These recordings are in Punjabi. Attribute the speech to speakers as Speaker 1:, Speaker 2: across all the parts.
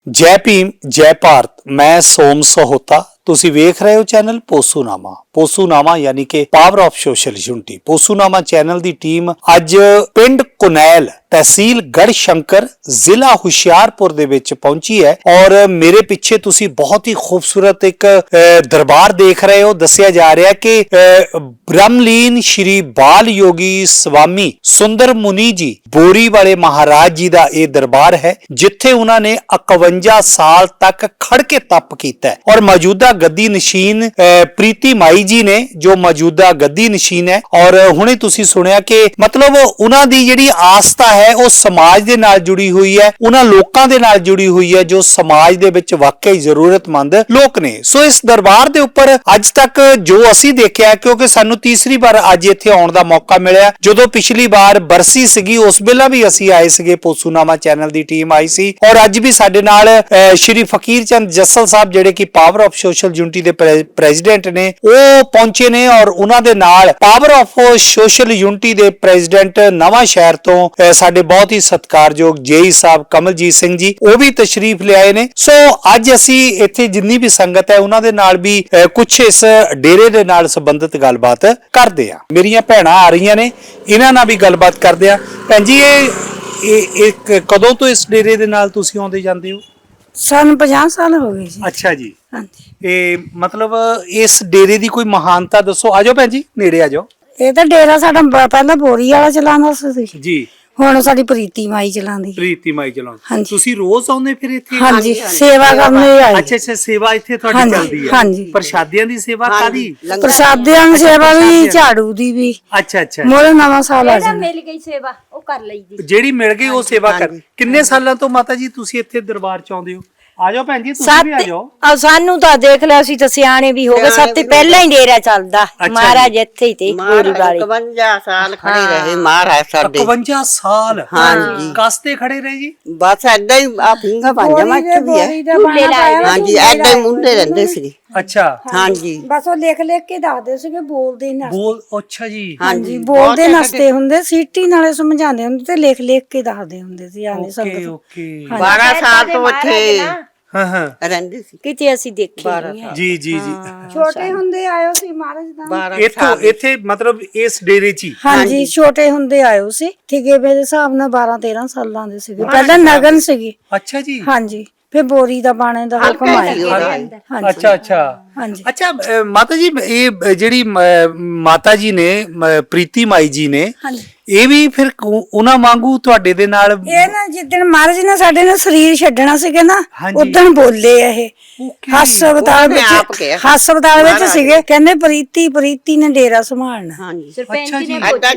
Speaker 1: जय भीम जय भारत। मैं सोम सहोता। ਤੁਸੀਂ ਵੇਖ ਰਹੇ ਹੋ ਚੈਨਲ ਪੋਸੂਨਾਮਾ ਯਾਨੀ ਕਿ ਪਾਵਰ ਆਫ ਸੋਸ਼ਲ ਯੂਨਿਟੀ। ਪੋਸੂਨਾਮਾ ਚੈਨਲ ਦੀ ਟੀਮ ਅੱਜ ਪਿੰਡ ਕੁਨੈਲ ਤਹਿਸੀਲ ਗੜਸ਼ੰਕਰ ਜ਼ਿਲ੍ਹਾ ਹੁਸ਼ਿਆਰਪੁਰ ਦੇ ਵਿੱਚ ਪਹੁੰਚੀ ਹੈ ਔਰ ਮੇਰੇ ਪਿੱਛੇ ਤੁਸੀਂ ਬਹੁਤ ਹੀ ਖੂਬਸੂਰਤ ਇੱਕ ਦਰਬਾਰ ਦੇਖ ਰਹੇ ਹੋ। ਦੱਸਿਆ ਜਾ ਰਿਹਾ ਕਿ ਬ੍ਰਹਮਲੀਨ ਸ਼੍ਰੀ ਬਾਲ ਯੋਗੀ ਸਵਾਮੀ ਸੁੰਦਰ ਮੁਨੀ ਜੀ ਬੋਰੀ ਵਾਲੇ ਮਹਾਰਾਜ ਜੀ ਦਾ ਇਹ ਦਰਬਾਰ ਹੈ ਜਿੱਥੇ ਉਹਨਾਂ ਨੇ 51 ਸਾਲ ਤੱਕ ਖੜ ਕੇ ਤਪ ਕੀਤਾ ਔਰ ਮੌਜੂਦਾ ਗੱਦੀ ਨਸ਼ੀਨ ਪ੍ਰੀਤੀ ਮਾਈ ਜੀ ਨੇ ਜੋ ਮੌਜੂਦਾ ਗੱਦੀ ਨਸ਼ੀਨ ਹੈ। ਔਰ ਹੁਣੇ ਤੁਸੀਂ ਸੁਣਿਆ ਕਿ ਮਤਲਬ ਉਹਨਾਂ ਦੀ ਜਿਹੜੀ ਆਸਥਾ ਹੈ ਉਹ ਸਮਾਜ ਦੇ ਨਾਲ ਜੁੜੀ ਹੋਈ ਹੈ, ਉਹਨਾਂ ਲੋਕਾਂ ਦੇ ਨਾਲ ਜੁੜੀ ਹੋਈ ਹੈ ਜੋ ਸਮਾਜ ਦੇ ਵਿੱਚ ਵਾਕਈ ਜ਼ਰੂਰਤਮੰਦ ਲੋਕ ਨੇ। ਸੋ ਇਸ ਦਰਬਾਰ ਦੇ ਉੱਪਰ ਅੱਜ ਤੱਕ ਜੋ ਅਸੀਂ ਦੇਖਿਆ, ਕਿਉਂਕਿ ਸਾਨੂੰ ਤੀਸਰੀ ਵਾਰ ਅੱਜ ਇੱਥੇ ਆਉਣ ਦਾ ਮੌਕਾ ਮਿਲਿਆ, ਜਦੋਂ ਪਿਛਲੀ ਵਾਰ ਬਰਸੀ ਸੀਗੀ ਉਸ ਵੇਲੇ ਵੀ ਅਸੀਂ ਆਏ ਸੀਗੇ, ਪੋਸੂਨਾਮਾ ਚੈਨਲ ਦੀ ਟੀਮ ਆਈ ਸੀ ਔਰ ਅੱਜ ਵੀ ਸਾਡੇ ਨਾਲ ਸ਼੍ਰੀ ਫਕੀਰ ਚੰਦ ਜੱਸਲ ਸਾਹਿਬ ਜਿਹੜੇ ਕਿ ਪਾਵਰ ਆਫ ਸੋਸ਼ਲ ਯੂਨਿਟੀ ਦੇ ਪ੍ਰੈਜ਼ੀਡੈਂਟ ਨੇ ਉਹ ਪਹੁੰਚੇ ਨੇ ਔਰ ਉਹਨਾਂ ਦੇ ਨਾਲ ਪਾਵਰ ਆਫ ਸੋਸ਼ਲ ਯੂਨਿਟੀ ਦੇ ਪ੍ਰੈਜ਼ੀਡੈਂਟ ਨਵਾਂ ਸ਼ਹਿਰ ਤੋਂ ਸਾਡੇ ਬਹੁਤ ਹੀ ਸਤਿਕਾਰਯੋਗ ਜੇਈ ਸਾਹਿਬ ਕਮਲਜੀਤ ਸਿੰਘ ਜੀ ਉਹ ਵੀ ਤਸ਼ਰੀਫ ਲਿਆਏ ਨੇ। ਸੋ ਅੱਜ ਅਸੀਂ ਇੱਥੇ ਜਿੰਨੀ ਵੀ ਸੰਗਤ ਹੈ ਉਹਨਾਂ ਦੇ ਨਾਲ ਵੀ ਕੁਝ ਇਸ ਡੇਰੇ ਦੇ ਨਾਲ ਸੰਬੰਧਿਤ ਗੱਲਬਾਤ ਕਰਦੇ ਆ। ਮੇਰੀਆਂ ਭੈਣਾਂ ਆ ਰਹੀਆਂ ਨੇ, ਇਹਨਾਂ ਨਾਲ ਵੀ ਗੱਲਬਾਤ ਕਰਦੇ ਆ। ਭੈਣ ਜੀ ਇਹ ਕਦੋਂ ਤੋਂ ਇਸ ਡੇਰੇ ਦੇ ਨਾਲ ਤੁਸੀਂ ਆਉਂਦੇ ਜਾਂਦੇ ਹੋ?
Speaker 2: ਸਾਨੂੰ 50 ਸਾਲ ਹੋ ਗਏ ਜੀ।
Speaker 1: ਅੱਛਾ ਜੀ।
Speaker 2: ਹਾਂਜੀ।
Speaker 1: ਇਹ ਮਤਲਬ ਇਸ ਡੇਰੇ ਦੀ ਕੋਈ ਮਹਾਨਤਾ ਦੱਸੋ। ਆਜੋ ਭੈਣ ਜੀ ਨੇੜੇ ਆਜੋ।
Speaker 2: ਇਹ ਤਾਂ ਡੇਰਾ ਸਾਡਾ ਪਹਿਲਾਂ ਬੋਰੀ ਵਾਲਾ ਚਲਾਉਂਦਾ ਸੀ
Speaker 1: ਜੀ,
Speaker 2: ਹੁਣ ਸਾਡੀ ਪ੍ਰੀਤੀ ਮਾਈ ਚਲਾਉਂਦੀ।
Speaker 1: ਪ੍ਰੀਤੀ ਮਾਈ ਚਲਾਉਂਦੀ।
Speaker 2: ਹਾਂਜੀ।
Speaker 1: ਤੁਸੀਂ ਰੋਜ਼ ਆਉਂਦੇ ਫਿਰ ਇੱਥੇ?
Speaker 2: ਹਾਂਜੀ, ਸੇਵਾ ਕਰਨ ਆਏ।
Speaker 1: ਅੱਛਾ, ਸੇਵਾ ਇੱਥੇ ਤੁਹਾਡੀ ਚੱਲਦੀ ਹੈ?
Speaker 2: ਹਾਂਜੀ।
Speaker 1: ਪ੍ਰਸ਼ਾਦਿਆਂ ਦੀ ਸੇਵਾ ਕਾਦੀ?
Speaker 2: ਪ੍ਰਸ਼ਾਦਿਆਂ ਦੀ ਸੇਵਾ ਵੀ, ਝਾੜੂ ਦੀ ਵੀ।
Speaker 1: ਅੱਛਾ।
Speaker 2: ਮੋਰੇ ਨਵਾਂ ਸਾਲ ਆ ਜਾਂਦਾ।
Speaker 3: ਮਿਲ ਗਈ ਸੇਵਾ ਉਹ ਕਰ ਲਈਦੀ,
Speaker 1: ਜਿਹੜੀ ਮਿਲ ਗਈ ਉਹ ਸੇਵਾ ਕਰ। ਕਿੰਨੇ ਸਾਲਾਂ ਤੋਂ ਮਾਤਾ ਜੀ ਤੁਸੀਂ ਇੱਥੇ ਦਰਬਾਰ ਚ ਆਉਂਦੇ ਹੋ? ਆਜੋ ਭੈਣ ਜੀ ਤੁਸੀਂ ਵੀ ਆਜੋ।
Speaker 3: ਸਾਨੂੰ ਤਾਂ ਦੇਖ ਲਿਆ, ਅਸੀਂ ਤਾਂ ਸਿਆਣੇ ਵੀ ਹੋ ਗਏ, ਸਭ ਤੋਂ ਪਹਿਲਾਂ ਹੀ ਡੇਰਾ ਚੱਲਦਾ ਮਹਾਰਾਜ ਇੱਥੇ ਹੀ ਤੇ ਗੋਰੀ ਵਾਲੇ।
Speaker 4: 51 ਸਾਲ ਖੜੇ ਰਹੇ ਮਹਾਰਾਜ ਸਾਡੇ।
Speaker 1: 51 ਸਾਲ?
Speaker 4: ਹਾਂਜੀ।
Speaker 1: ਕਾਸਤੇ ਖੜੇ ਰਹੇ ਜੀ?
Speaker 4: ਬਸ ਏਦਾਂ ਹੀ ਆ ਪਿੰਗਾ ਪੰਜਾਂ ਮੱਚ ਵੀ ਹੈ। ਹਾਂਜੀ, ਏਦਾਂ ਹੀ ਮੁੰਡੇ ਰਹਿੰਦੇ ਸੀ।
Speaker 1: ਅੱਛਾ।
Speaker 4: ਹਾਂਜੀ,
Speaker 2: ਬਸ ਉਹ ਲਿਖ ਕੇ ਦੱਸਦੇ ਸੀਗੇ, ਬੋਲਦੇ ਨਾ।
Speaker 1: ਅੱਛਾ ਜੀ।
Speaker 2: ਹਾਂਜੀ, ਬੋਲਦੇ ਨਸਤੇ ਹੁੰਦੇ, ਸੀਟੀ ਨਾਲੇ ਸਮਝਾਉਂਦੇ ਹੁੰਦੇ ਤੇ ਲਿਖ ਕੇ ਦੱਸਦੇ ਹੁੰਦੇ ਸੀ। ਆਨੇ ਸੰਗਤ।
Speaker 1: ਓਕੇ।
Speaker 4: 12 ਸਾਲ ਤੋਂ ਇੱਥੇ
Speaker 1: ਹਾਂ
Speaker 4: ਰਹਿੰਦੇ ਸੀ।
Speaker 3: ਕਿਤੇ ਅਸੀਂ ਦੇਖੇ ਨਹੀਂ ਹੈ।
Speaker 1: ਜੀ।
Speaker 2: ਛੋਟੇ ਹੁੰਦੇ ਆਇਓ ਸੀ ਮਹਾਰਾਜ ਦਾ।
Speaker 1: ਇੱਥੇ ਮਤਲਬ ਇਸ ਡੇਰੇ ਚ ਹੀ?
Speaker 2: ਹਾਂਜੀ, ਛੋਟੇ ਹੁੰਦੇ ਆਇਓ ਸੀ। ਠੀਕੇ ਦੇ ਹਿਸਾਬ ਨਾਲ 12-13 ਸਾਲਾਂ ਦੇ ਸੀਗੇ। ਪਹਿਲਾਂ ਨਗਨ ਸੀਗੀ।
Speaker 1: ਅੱਛਾ ਜੀ।
Speaker 2: ਹਾਂਜੀ, ਫਿਰ ਬੋਰੀ ਦਾ ਬਾਣੇ ਦਾ ਹੁਕਮ ਆਇਆ।
Speaker 1: ਅੱਛਾ ਮਾਤਾ ਜੀ, ਇਹ ਜਿਹੜੀ ਮਾਤਾ ਜੀ ਨੇ ਪ੍ਰੀਤੀ ਮਾਈ ਜੀ ਨੇ, ਇਹ ਵੀ ਫਿਰ ਉਹਨਾਂ ਵਾਂਗੂ ਤੁਹਾਡੇ ਦੇ ਨਾਲ?
Speaker 2: ਇਹ ਨਾ ਜਿੱਦਣ ਮਹਾਰਾਜ ਨੇ ਸਾਡੇ ਨਾਲ ਸਰੀਰ ਛੱਡਣਾ ਸੀਗਾ ਨਾ, ਉਦਣ ਬੋਲੇ ਇਹ ਹਸਪਤਾਲ ਵਿੱਚ ਸੀਗੇ। ਕਹਿੰਦੇ ਪ੍ਰੀਤੀ ਨੇ ਡੇਰਾ ਸੰਭਾਲਣਾ।
Speaker 4: ਹਾਂਜੀ,
Speaker 3: ਸਰਪੰਚ ਨੇ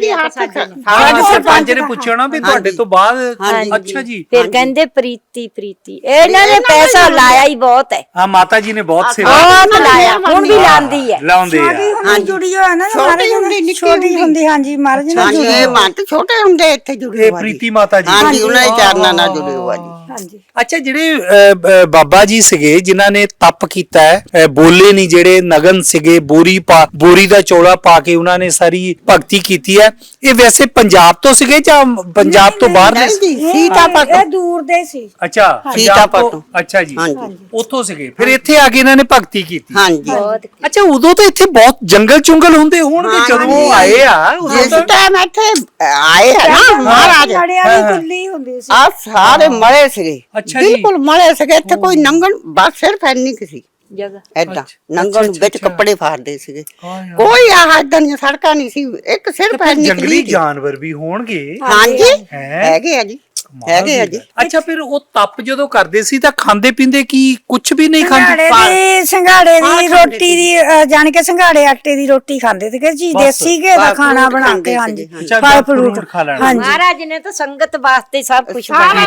Speaker 1: ਸਰਪੰਚ ਨੇ ਪੁੱਛਿਆ ਨਾ ਵੀ ਤੁਹਾਡੇ ਤੋਂ ਬਾਅਦ। ਅੱਛਾ ਜੀ।
Speaker 3: ਫਿਰ ਕਹਿੰਦੇ ਪ੍ਰੀਤੀ ਇਹਨਾਂ ਨੇ ਪੈਸਾ ਲਾਇਆ ਹੀ ਬਹੁਤ ਹੈ।
Speaker 1: ਹਾਂ, ਮਾਤਾ ਜੀ ਨੇ ਬਹੁਤ ਸੇਵਾ
Speaker 3: ਲਾਇਆ, ਹੁਣ ਵੀ ਲਾਉਂਦੀ ਹੈ।
Speaker 1: ਲਾਉਂਦੇ ਆ।
Speaker 2: ਜੁੜੀ ਹੋਇਆ ਨਾ ਛੋਟੀ ਹੁੰਦੀ। ਹਾਂਜੀ, ਮਹਾਰਾਜ ਨੇ
Speaker 4: ਛੋਟੇ ਹੁੰਦੇ ਇੱਥੇ ਜੁੜੇ ਹੋਏ।
Speaker 1: ਪ੍ਰੀਤੀ ਮਾਤਾ ਜੀ।
Speaker 4: ਹਾਂਜੀ, ਉਹਨਾਂ ਦੇ ਚਰਨਾਂ ਨਾਲ ਜੁੜੇ ਹੋਏ ਜੀ।
Speaker 2: ਹਾਂਜੀ।
Speaker 1: ਅੱਛਾ, ਜਿਹੜੇ ਬਾਬਾ ਜੀ ਸੀਗੇ ਜਿਨ੍ਹਾਂ ਨੇ ਤਪ ਕੀਤਾ ਹੈ, ਬੋਲੇ ਨਹੀਂ, ਜਿਹੜੇ ਨਗਨ ਸੀਗੇ, ਬੋਰੀ ਦਾ ਚੋਲਾ ਪਾ ਕੇ ਉਹਨਾਂ ਨੇ ਸਾਰੀ ਭਗਤੀ ਕੀਤੀ ਹੈ, ਇਹ ਵੈਸੇ ਪੰਜਾਬ ਤੋਂ ਸੀਗੇ ਜਾਂ ਪੰਜਾਬ ਤੋਂ ਬਾਹਰ ਦੇ?
Speaker 4: ਸੀਤਾਪੁਰ
Speaker 2: ਇਹ ਦੂਰ ਦੇ ਸੀ।
Speaker 1: ਅੱਛਾ,
Speaker 4: ਸੀਤਾਪੁਰ ਤੋਂ।
Speaker 1: ਅੱਛਾ ਜੀ।
Speaker 4: ਹਾਂਜੀ,
Speaker 1: ਉੱਥੋਂ ਸੀਗੇ, ਫਿਰ ਇੱਥੇ ਆ ਕੇ ਇਹਨਾਂ ਨੇ ਭਗਤੀ ਕੀਤੀ।
Speaker 4: ਹਾਂਜੀ।
Speaker 1: ਅੱਛਾ, ਉਦੋਂ ਤਾਂ ਇੱਥੇ ਬਹੁਤ ਜੰਗਲ ਚੁੰਗਲ ਹੁੰਦੇ ਹੋਣਗੇ ਜਦੋਂ ਆਏ ਆ?
Speaker 4: ਜਿਸ ਟਾਈਮ ਇੱਥੇ ਆਏ ਹੈ ਨਾ ਮਹਾਰਾਜ,
Speaker 2: ਲੜਿਆ ਵੀ ਕੁੱਲੀ ਹੁੰਦੀ ਸੀ।
Speaker 4: ਆ ਸਾਰੇ ਮਲੇ ਸੀਗੇ।
Speaker 1: ਅੱਛਾ ਜੀ।
Speaker 4: ਬਿਲਕੁਲ ਮਲੇ ਸੀਗੇ। ਇੱਥੇ ਕੋਈ ਨੰਗਣ ਬਸ ਸਿਰਫ ਇੰਨੀ ਕਿਸੇ
Speaker 3: ਜਗ੍ਹਾ
Speaker 4: ਏਦਾਂ ਨੰਗਣ ਵਿੱਚ ਕੱਪੜੇ ਫਾੜਦੇ ਸੀਗੇ। ਕੋਈ ਆਹ ਏਦਾਂ ਦੀਆਂ ਸੜਕਾਂ ਨਹੀਂ ਸੀ। ਇੱਕ ਸਿਰਫ ਇੰਨੀ
Speaker 1: ਜੰਗਲੀ ਜਾਨਵਰ ਵੀ ਹੋਣਗੇ?
Speaker 4: ਹਾਂਜੀ, ਹੈਗੇ ਆ ਜੀ, ਹੈਗੇ ਆ ਜੀ।
Speaker 1: ਅੱਛਾ, ਫਿਰ ਉਹ ਤਪ ਜਦੋਂ ਕਰਦੇ ਸੀ ਤਾਂ ਖਾਂਦੇ ਪੀਂਦੇ ਕੀ ਕੁਝ ਵੀ ਨਹੀਂ ਖਾਂਦੇ?
Speaker 2: ਸੰਘਾੜੇ ਦੀ ਰੋਟੀ ਦੀ ਜਾਣ ਕੇ ਸੰਘਾੜੇ ਆਟੇ ਦੀ ਰੋਟੀ ਖਾਂਦੇ ਸੀਗੇ ਜੀ, ਦੇਸੀ ਘੇ ਦਾ ਖਾਣਾ ਬਣਾ ਕੇ। ਹਾਂਜੀ, ਫਲ ਫਰੂਟ ਖਾ ਲੈਣਾ।
Speaker 3: ਮਹਾਰਾਜ ਨੇ ਤਾਂ ਸੰਗਤ ਵਾਸਤੇ ਸਭ ਕੁਝ
Speaker 4: ਬਣਾਇਆ।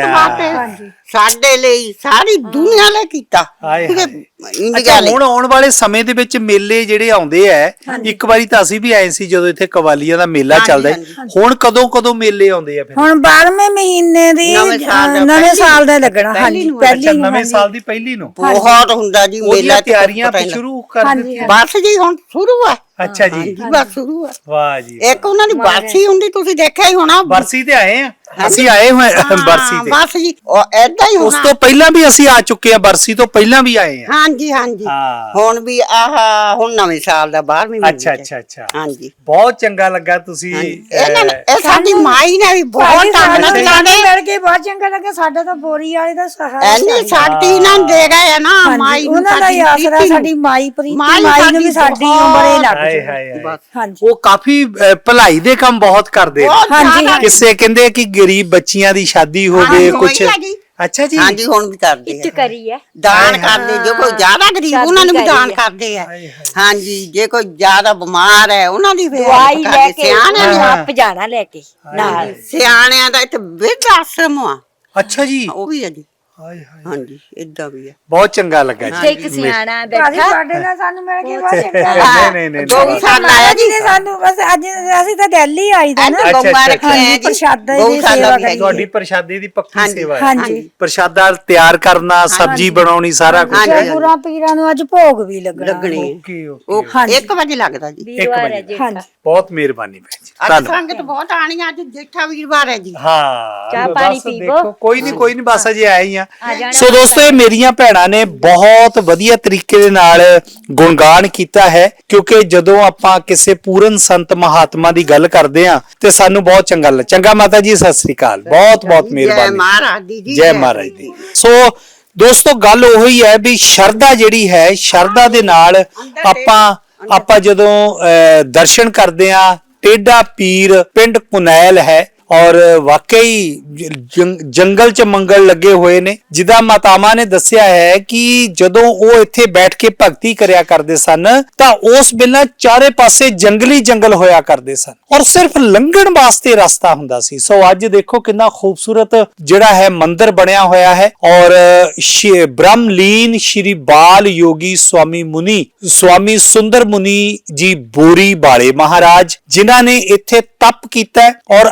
Speaker 4: ਸਾਡੇ ਲਈ, ਸਾਰੀ ਦੁਨੀਆ ਲਈ ਕੀਤਾ।
Speaker 1: ਅੱਛਾ, ਹੁਣ ਆਉਣ ਵਾਲੇ ਸਮੇਂ ਦੇ ਵਿੱਚ ਮੇਲੇ ਜਿਹੜੇ ਆਉਂਦੇ ਆ, ਇੱਕ ਵਾਰੀ ਤਾਂ ਅਸੀਂ ਵੀ ਆਏ ਸੀ ਜਦੋਂ ਇੱਥੇ ਕਵਾਲੀਆਂ ਦਾ ਮੇਲਾ ਚੱਲਦਾ। ਹੁਣ ਕਦੋਂ ਮੇਲੇ ਆਉਂਦੇ ਆ? ਫਿਰ
Speaker 2: ਹੁਣ 12ਵੇਂ ਮਹੀਨੇ ਦੀ ਨਵੇਂ ਸਾਲ ਦਾ ਲੱਗਣਾ। ਹਾਂਜੀ, ਪਹਿਲੀ
Speaker 1: ਨਵੇਂ ਸਾਲ ਦੀ ਪਹਿਲੀ ਨੂੰ
Speaker 4: ਬਹੁਤ ਹੁੰਦਾ ਜੀ ਮੇਲਾ।
Speaker 1: ਤਿਆਰੀਆਂ ਸ਼ੁਰੂ ਕਰ ਦਿੱਤੀਆਂ?
Speaker 4: ਬਸ ਜੀ ਹੁਣ ਸ਼ੁਰੂ ਆ।
Speaker 1: ਅੱਛਾ ਜੀ,
Speaker 4: ਬਸ ਸ਼ੁਰੂ ਆ।
Speaker 1: ਵਾਹ ਜੀ।
Speaker 4: ਇੱਕ ਉਹਨਾਂ ਦੀ ਬਰਸੀ ਹੁੰਦੀ, ਤੁਸੀਂ ਦੇਖਿਆ ਹੀ ਹੋਣਾ।
Speaker 1: ਬਰਸੀ ਤੇ ਆਏ ਆ? ਅਸੀਂ ਆਏ ਹੋਏ ਬਰਸੀ ਤੇ।
Speaker 4: ਬਸ ਜੀ ਉਹ ਏਦਾਂ ਹੀ
Speaker 1: ਉਸ
Speaker 4: ਹੋਣਾ।
Speaker 1: ਤੋਂ ਪਹਿਲਾਂ ਵੀ ਅਸੀਂ ਆ ਚੁੱਕੇ ਆ, ਬਰਸੀ ਤੋਂ ਪਹਿਲਾਂ ਵੀ ਆਏ ਆ।
Speaker 4: ਹਾਂਜੀ ਹਾਂਜੀ
Speaker 1: ਹਾਂ।
Speaker 4: ਹੁਣ ਵੀ ਹੁਣ ਨਵੇਂ ਸਾਲ ਦਾ 12ਵੇਂ ਮਹੀਨੇ
Speaker 1: ਅੱਛਾ
Speaker 4: ਚ।
Speaker 1: ਅੱਛਾ ਅੱਛਾ,
Speaker 4: ਹਾਂਜੀ
Speaker 1: ਬਹੁਤ ਚੰਗਾ ਲੱਗਾ ਤੁਸੀਂ
Speaker 4: ਇਹਨਾਂ ਨੇ ਇਹ ਸਾਡੀ ਮਾਈ ਨੇ ਵੀ ਬਹੁਤ
Speaker 2: ਸਾਨੂੰ
Speaker 4: ਟੰਗ
Speaker 2: ਲਾਣੇ ਮਿਲ ਕੇ ਬਹੁਤ ਚੰਗਾ ਲੱਗਾ। ਸਾਡਾ ਤਾਂ ਬੋਰੀ ਵਾਲੇ ਦਾ ਸਹਾਰਾ
Speaker 4: ਐਨੀ ਸ਼ਕਤੀ ਨਾ ਦੇ ਗਏ ਆ ਨਾ ਮਾਈ ਨੂੰ
Speaker 2: ਉਹਨਾਂ ਦਾ ਹੀ
Speaker 4: ਸਾਡੀ
Speaker 2: ਆਸਰਾ,
Speaker 4: ਪ੍ਰੀਤੀ
Speaker 2: ਸਾਡੀ ਮਾਈ ਪ੍ਰੀਤੀ
Speaker 4: ਮਾਈ
Speaker 2: ਮਾਈ ਨੂੰ ਵੀ
Speaker 4: ਸਾਡੀ
Speaker 2: ਸਾਡੀ ਉਮਰੇ ਲੱਗ
Speaker 1: ਹਾਏ
Speaker 2: ਜਾਏ।
Speaker 1: ਹਾਏ ਹਾਏ।
Speaker 4: ਬਸ।
Speaker 2: ਹਾਂਜੀ
Speaker 1: ਉਹ ਕਾਫੀ ਭਲਾਈ ਦੇ ਕੰਮ ਬਹੁਤ ਕਰਦੇ ਨੇ।
Speaker 4: ਬਹੁਤ
Speaker 2: ਹਾਂਜੀ,
Speaker 4: ਜ਼ਿਆਦਾ।
Speaker 1: ਕਿਸੇ ਕਹਿੰਦੇ ਕਿ ਗਰੀਬ ਬੱਚੀਆਂ ਦੀ ਸ਼ਾਦੀ ਹੋਵੇ
Speaker 4: ਹਾਂਜੀ,
Speaker 1: ਕੁਛ।
Speaker 4: ਹੋਈ ਆ ਜੀ।
Speaker 1: ਅੱਛਾ ਜੀ।
Speaker 4: ਹਾਂਜੀ ਹੁਣ ਵੀ ਕਰਦੇ
Speaker 3: ਇੱਟ
Speaker 4: ਆ
Speaker 3: ਕਰੀ ਹੈ
Speaker 4: ਦਾਨ ਕਰਦੇ ਜੋ ਕੋਈ ਜ਼ਿਆਦਾ ਗਰੀਬ ਉਹਨਾਂ ਨੂੰ ਵੀ
Speaker 3: ਸ਼ਾਦੀ
Speaker 4: ਦਾਨ
Speaker 3: ਕਰੀ
Speaker 4: ਕਰਦੇ ਆ ਹਾਂਜੀ ਜੇ ਕੋਈ ਜ਼ਿਆਦਾ ਬਿਮਾਰ ਹੈ ਉਹਨਾਂ ਦੀ ਵੀ
Speaker 3: ਦਵਾਈ
Speaker 4: help
Speaker 3: ਲੈ
Speaker 4: ਕਰਦੇ।
Speaker 3: ਕੇ
Speaker 4: ਸਿਆਣਿਆਂ
Speaker 3: ਉਹਨੂੰ
Speaker 4: ਦੀ
Speaker 3: ਆਪ ਜਾਣਾ ਲੈ ਕੇ ਨਾਲ
Speaker 4: ਸਿਆਣਿਆਂ ਦਾ ਇੱਥੇ ਬਿਰਧ ਆਸ਼ਰਮ ਆ
Speaker 1: ਅੱਛਾ ਜੀ।
Speaker 4: ਉਹ ਵੀ ਹੈ ਜੀ
Speaker 1: ਹਾਏ ਹਾਏ,
Speaker 4: ਹਾਂਜੀ ਇਦਾਂ ਵੀ ਹੈ
Speaker 1: ਬਹੁਤ ਚੰਗਾ ਲੱਗਾ
Speaker 3: ਤੇ
Speaker 1: ਜੀ।
Speaker 3: ਇੱਕ ਸਿਆਣਾ
Speaker 2: ਭਾਜੀ
Speaker 3: ਬੈਠਾ
Speaker 2: ਸਾਡੇ ਨਾਲ ਸਾਨੂੰ ਮਿਲ ਕੇ ਬਹੁਤ ਚੰਗਾ
Speaker 1: ਨਹੀਂ ਨਹੀਂ ਨਹੀਂ
Speaker 4: ਗਊਸ਼ਾਲਾ ਆਇਆ ਜੀ
Speaker 2: ਨੇ ਸਾਨੂੰ ਬਸ ਅੱਜ ਅਸੀਂ ਤਾਂ ਦਿੱਲੀ ਆਈ ਦਾ ਨਾ।
Speaker 1: ਅੱਛਾ,
Speaker 4: ਗਊਆਂ
Speaker 1: ਅੱਛਾ,
Speaker 4: ਰੱਖੀਆਂ
Speaker 2: ਹਾਂਜੀ,
Speaker 4: ਜੀ
Speaker 2: ਪ੍ਰਸ਼ਾਦਾ ਦੀ
Speaker 4: ਗਊਸ਼ਾਲਾ
Speaker 2: ਸੇਵਾ
Speaker 4: ਵੀ ਹੈ।
Speaker 1: ਤੁਹਾਡੀ ਪ੍ਰਸ਼ਾਦੇ ਦੀ ਪੱਕੀ
Speaker 4: ਹਾਂਜੀ,
Speaker 1: ਸੇਵਾ ਹੈ।
Speaker 2: ਹਾਂਜੀ
Speaker 1: ਪ੍ਰਸ਼ਾਦਾ ਤਿਆਰ ਕਰਨਾ, ਸਬਜ਼ੀ ਬਣਾਉਣੀ, ਸਾਰਾ ਕੁਝ।
Speaker 4: ਹਾਂਜੀ,
Speaker 2: ਤੇ ਗੁਰਾਂ ਪੀਰਾਂ ਨੂੰ ਅੱਜ ਭੋਗ ਵੀ ਲੱਗਣਾ।
Speaker 4: ਲੱਗਣੀ ਹੈ।
Speaker 1: ਓਕੇ
Speaker 4: ਉਹ
Speaker 1: ਓਕੇ,
Speaker 4: 1 ਵਜੇ ਲੱਗਦਾ ਜੀ
Speaker 3: ਵੀਰਵਾਰ ਹੈ ਜੀ
Speaker 2: ਹਾਂਜੀ
Speaker 1: ਬਹੁਤ ਮਿਹਰਬਾਨੀ ਭੈਣ ਜੀ,
Speaker 4: ਅੱਜ
Speaker 1: ਧੰਨਵਾਦ।
Speaker 4: ਸੰਗਤ ਬਹੁਤ ਆਣੀ ਅੱਜ ਜੇਠਾ ਵੀਰਵਾਰ ਹੈ ਜੀ
Speaker 1: ਹਾਂ
Speaker 3: ਚਾਹ
Speaker 1: ਬਸ
Speaker 3: ਪਾਣੀ ਪੀਵੋ।
Speaker 1: ਦੇਖੋ, ਕੋਈ ਨਹੀਂ ਬਸ ਅਜੇ ਆਏ ਹੀ ਆ।
Speaker 3: ਜਾਣਾ
Speaker 1: ਸੋ ਦੋਸਤੋ, ਇਹ ਮੇਰੀਆਂ ਭੈਣਾਂ ਨੇ ਬਹੁਤ ਵਧੀਆ ਤਰੀਕੇ ਦੇ ਨਾਲ ਗੁਣਗਾਨ ਕੀਤਾ ਹੈ, ਕਿਉਂਕਿ ਜਦੋਂ ਆਪਾਂ ਕਿਸੇ ਪੂਰਨ ਸੰਤ ਮਹਾਤਮਾ ਦੀ ਗੱਲ ਕਰਦੇ ਆ ਤੇ ਸਾਨੂੰ ਬਹੁਤ ਚੰਗਾ ਲੱਗਦਾ। ਚੰਗਾ ਮਾਤਾ ਜੀ, ਸਤਿ ਸ੍ਰੀ ਅਕਾਲ, ਬਹੁਤ ਬਹੁਤ
Speaker 4: ਜੈ
Speaker 1: ਮਿਹਰਬਾਨੀ।
Speaker 4: ਮਹਾਰਾਜ ਦੀ ਜੀ
Speaker 1: ਜੈ ਮਹਾਰਾਜ ਦੀ। ਸੋ ਦੋਸਤੋ, ਗੱਲ ਉਹੀ ਹੈ ਵੀ ਸ਼ਰਧਾ ਜਿਹੜੀ ਹੈ, ਸ਼ਰਧਾ ਦੇ ਨਾਲ ਆਪਾਂ ਜਦੋਂ ਦਰਸ਼ਨ ਕਰਦੇ ਆ, ਟੇਢਾ ਪੀਰ ਪਿੰਡ ਕੁਨੈਲ ਹੈ ਔਰ ਵਾਕਈ ਜੰਗਲ ਚ ਮੰਗਲ ਲੱਗੇ ਹੋਏ ਨੇ। ਜਿੱਦਾਂ ਮਾਤਾਵਾਂ ਨੇ ਦੱਸਿਆ ਹੈ ਕਿ ਜਦੋਂ ਉਹ ਇੱਥੇ ਬੈਠ ਕੇ ਭਗਤੀ ਕਰਿਆ ਕਰਦੇ ਸਨ ਤਾਂ ਉਸ ਵੇਲੇ ਚਾਰੇ ਪਾਸੇ ਜੰਗਲੀ ਜੰਗਲ ਹੋਇਆ ਕਰਦੇ ਸਨ ਔਰ ਸਿਰਫ ਲੰਘਣ ਵਾਸਤੇ ਰਸਤਾ ਹੁੰਦਾ ਸੀ। ਸੋ ਅੱਜ ਦੇਖੋ ਕਿੰਨਾ ਖੂਬਸੂਰਤ ਜਿਹੜਾ ਹੈ ਮੰਦਿਰ ਬਣਿਆ ਹੋਇਆ ਹੈ ਔਰ ਬ੍ਰਹਮਲੀਨ ਸ਼੍ਰੀ ਬਾਲ ਯੋਗੀ ਸਵਾਮੀ ਸੁੰਦਰ ਮੁਨੀ ਜੀ ਬੋਰੀ ਬਾਲੇ ਮਹਾਰਾਜ, ਜਿਨ੍ਹਾਂ ਨੇ ਇੱਥੇ ਤਪ ਕੀਤਾ ਔਰ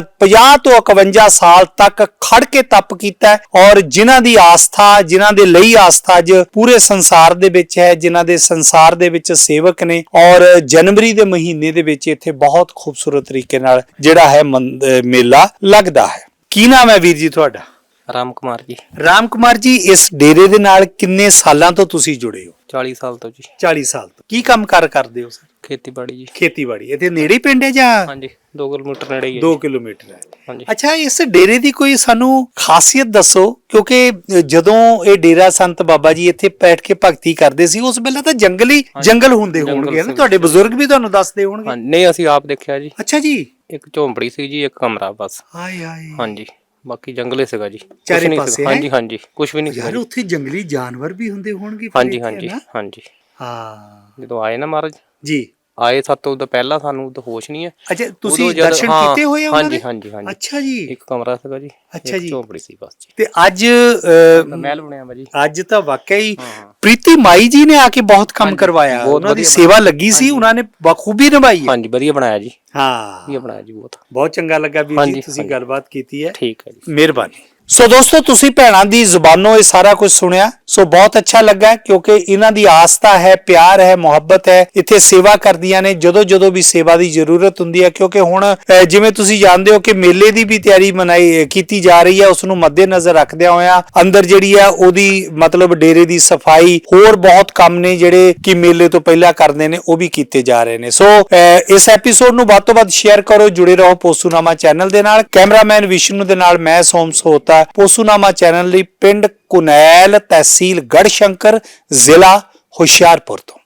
Speaker 1: 50 ਤੋਂ 51 ਸਾਲ ਤੱਕ ਖੜ ਕੇ ਤਪ ਕੀਤਾ ਔਰ ਜਿਨ੍ਹਾਂ ਦੀ ਆਸਥਾ, ਜਿਨ੍ਹਾਂ ਦੇ ਲਈ ਆਸਥਾ ਅੱਜ ਪੂਰੇ ਸੰਸਾਰ ਦੇ ਵਿੱਚ ਹੈ, ਜਿਨ੍ਹਾਂ ਦੇ ਸੰਸਾਰ ਦੇ ਵਿੱਚ ਸੇਵਕ ਨੇ ਔਰ ਜਨਵਰੀ ਦੇ ਮਹੀਨੇ ਦੇ ਵਿੱਚ ਇੱਥੇ ਬਹੁਤ ਖੂਬਸੂਰਤ ਤਰੀਕੇ ਨਾਲ ਜਿਹੜਾ ਹੈ ਮੇਲਾ ਲੱਗਦਾ ਹੈ। ਕੀ ਨਾਮ ਹੈ ਵੀਰ ਜੀ ਤੁਹਾਡਾ?
Speaker 5: ਰਾਮ ਕੁਮਾਰ ਜੀ।
Speaker 1: ਰਾਮ ਕੁਮਾਰ ਜੀ, ਇਸ ਡੇਰੇ ਦੇ ਨਾਲ ਕਿੰਨੇ ਸਾਲਾਂ ਤੋਂ ਤੁਸੀਂ ਜੁੜੇ ਹੋ?
Speaker 5: 40 ਸਾਲ ਤੋਂ ਜੀ।
Speaker 1: 40 ਸਾਲ ਤੋਂ। ਕੀ ਕੰਮ ਕਰਦੇ ਹੋ ਸਰ?
Speaker 5: ਖੇਤੀਬਾੜੀ ਜੀ।
Speaker 1: ਖੇਤੀਬਾੜੀ। ਇੱਥੇ ਨੇੜੇ ਪਿੰਡ ਹੈ ਜਾਂ?
Speaker 5: ਹਾਂਜੀ 2 ਕਿਲੋਮੀਟਰ ਨੇੜੇ ਹੀ ਹੈ
Speaker 1: 2
Speaker 5: ਜੀ।
Speaker 1: ਕਿਲੋਮੀਟਰ ਹੈ।
Speaker 5: ਹਾਂਜੀ।
Speaker 1: ਅੱਛਾ, ਇਸ ਡੇਰੇ ਦੀ ਕੋਈ ਸਾਨੂੰ ਖਾਸੀਅਤ ਦੱਸੋ, ਕਿਉਂਕਿ ਜਦੋਂ ਇਹ ਡੇਰਾ ਸੰਤ ਬਾਬਾ ਜੀ ਇੱਥੇ ਬੈਠ ਕੇ ਭਗਤੀ ਕਰਦੇ ਸੀ ਉਸ ਵੇਲੇ ਤਾਂ ਜੰਗਲ ਹੁੰਦੇ ਹੋਣਗੇ ਨਾ, ਤੁਹਾਡੇ ਬਜ਼ੁਰਗ ਵੀ ਤੁਹਾਨੂੰ ਦੱਸਦੇ ਹੋਣਗੇ।
Speaker 5: ਹਾਂਜੀ, ਨਹੀਂ ਅਸੀਂ ਆਪ ਦੇਖਿਆ ਜੀ।
Speaker 1: ਅੱਛਾ ਜੀ।
Speaker 5: ਇੱਕ ਝੌਂਪੜੀ ਸੀ ਜੀ, ਇੱਕ ਕਮਰਾ ਬਸ।
Speaker 1: ਹਾਏ ਹਾਏ।
Speaker 5: ਹਾਂਜੀ, ਬਾਕੀ ਜੰਗਲੇ ਸੀਗਾ ਜੀ, ਕੁਛ
Speaker 1: ਚਾਰੇ
Speaker 5: ਨਹੀਂ
Speaker 1: ਪਾਸੇ
Speaker 5: ਸੀਗਾ। ਹਾਂਜੀ ਹਾਂਜੀ, ਕੁਝ ਵੀ ਨਹੀਂ ਸੀਗਾ
Speaker 1: ਯਾਰ
Speaker 5: ਜੀ।
Speaker 1: ਉੱਥੇ ਜੰਗਲੀ ਜਾਨਵਰ ਵੀ ਹੁੰਦੇ ਹੋਣਗੇ ਫਿਰ
Speaker 5: ਹਾਂਜੀ
Speaker 1: ਇੱਥੇ,
Speaker 5: ਹਾਂਜੀ
Speaker 1: ਹੈ ਨਾ?
Speaker 5: ਹਾਂਜੀ।
Speaker 1: ਹਾਂ
Speaker 5: ਜਦੋਂ ਆਏ ਨਾ ਮਹਾਰਾਜ
Speaker 1: ਜੀ।
Speaker 5: ਆਏ ਸਾਤੋਂ ਉਦੋਂ ਪਹਿਲਾਂ ਸਾਨੂੰ ਉਦੋਂ ਹੋਸ਼ ਨਹੀਂ ਹੈ।
Speaker 1: ਅੱਛਾ, ਤੁਸੀਂ
Speaker 5: ਉਦੋਂ ਜਦ-
Speaker 1: ਦਰਸ਼ਨ
Speaker 5: ਹਾਂ,
Speaker 1: ਕੀਤੇ ਹੋਏ ਆ ਉਹਨਾਂ ਦੇ?
Speaker 5: ਹਾਂਜੀ ਹਾਂਜੀ ਹਾਂਜੀ।
Speaker 1: ਅੱਛਾ ਜੀ।
Speaker 5: ਇੱਕ ਕਮਰਾ ਸੀਗਾ ਜੀ,
Speaker 1: ਅੱਛਾ
Speaker 5: ਇੱਕ
Speaker 1: ਜੀ।
Speaker 5: ਝੌਂਪੜੀ ਸੀ ਬਸ ਜੀ।
Speaker 1: ਤੇ ਅੱਜ
Speaker 5: ਮਹਿਲ ਬਣਿਆ ਵਾ ਜੀ।
Speaker 1: ਅੱਜ ਤਾਂ ਵਾਕਈ
Speaker 5: ਹਾਂ।
Speaker 1: ਪ੍ਰੀਤੀ ਮਾਈ ਜੀ ਨੇ ਆ ਕੇ ਬਹੁਤ ਕੰਮ
Speaker 5: ਹਾਂਜੀ,
Speaker 1: ਕਰਵਾਇਆ,
Speaker 5: ਬਹੁਤ
Speaker 1: ਉਹਨਾਂ ਦੀ
Speaker 5: ਵਧੀਆ
Speaker 1: ਸੇਵਾ ਲੱਗੀ ਸੀ, ਉਹਨਾਂ ਨੇ ਬਖੂਬੀ ਨਿਭਾਈ ਹੈ।
Speaker 5: ਹਾਂਜੀ, ਵਧੀਆ ਬਣਾਇਆ ਜੀ।
Speaker 1: ਹਾਂ,
Speaker 5: ਵਧੀਆ ਬਣਾਇਆ ਜੀ ਬਹੁਤ।
Speaker 1: ਬਹੁਤ ਚੰਗਾ ਲੱਗਾ ਵੀਰ ਜੀ,
Speaker 5: ਹਾਂਜੀ,
Speaker 1: ਤੁਸੀਂ
Speaker 5: ਹਾਂਜੀ।
Speaker 1: ਗੱਲਬਾਤ ਕੀਤੀ ਹੈ।
Speaker 5: ਠੀਕ ਹੈ ਜੀ।
Speaker 1: ਮਿਹਰਬਾਨੀ। ਸੋ ਦੋਸਤੋ, ਤੁਸੀਂ ਭੈਣਾਂ ਦੀ ਜ਼ੁਬਾਨੋਂ ਇਹ ਸਾਰਾ ਕੁਝ ਸੁਣਿਆ, ਸੋ ਬਹੁਤ ਅੱਛਾ ਲੱਗਾ, ਕਿਉਂਕਿ ਇਹਨਾਂ ਦੀ ਆਸਥਾ ਹੈ, ਪਿਆਰ ਹੈ, ਮੁਹੱਬਤ ਹੈ, ਇੱਥੇ ਸੇਵਾ ਕਰਦੀਆਂ ਨੇ ਜਦੋਂ ਵੀ ਸੇਵਾ ਦੀ ਜ਼ਰੂਰਤ ਹੁੰਦੀ ਹੈ। ਕਿਉਂਕਿ ਹੁਣ ਜਿਵੇਂ ਤੁਸੀਂ ਜਾਣਦੇ ਹੋ ਕਿ ਮੇਲੇ ਦੀ ਵੀ ਤਿਆਰੀ ਕੀਤੀ ਜਾ ਰਹੀ ਹੈ, ਉਸ ਨੂੰ ਮੱਦੇਨਜ਼ਰ ਰੱਖਦਿਆਂ ਹੋਇਆਂ ਅੰਦਰ ਜਿਹੜੀ ਹੈ ਉਹਦੀ ਮਤਲਬ ਡੇਰੇ ਦੀ ਸਫਾਈ, ਹੋਰ ਬਹੁਤ ਕੰਮ ਨੇ ਜਿਹੜੇ ਕਿ ਮੇਲੇ ਤੋਂ ਪਹਿਲਾਂ ਕਰਦੇ ਨੇ, ਉਹ ਵੀ ਕੀਤੇ ਜਾ ਰਹੇ ਨੇ। ਸੋ ਇਸ ਐਪੀਸੋਡ ਨੂੰ ਵੱਧ ਤੋਂ ਵੱਧ ਸ਼ੇਅਰ ਕਰੋ, ਜੁੜੇ ਰਹੋ ਪੋਸੂਨਾਮਾ ਚੈਨਲ ਦੇ ਨਾਲ। ਕੈਮਰਾਮੈਨ ਵਿਸ਼ਨੂੰ ਦੇ ਨਾਲ ਮੈਂ ਸੋਮ ਸੋਹਤਾ, ਪੋਸੂਨਾਮਾ ਚੈਨਲ ਲਈ, ਪਿੰਡ ਕੁਨੈਲ, ਤਹਿਸੀਲ ਗੜਸ਼ੰਕਰ, ਜ਼ਿਲ੍ਹਾ ਹੁਸ਼ਿਆਰਪੁਰ ਤੋਂ।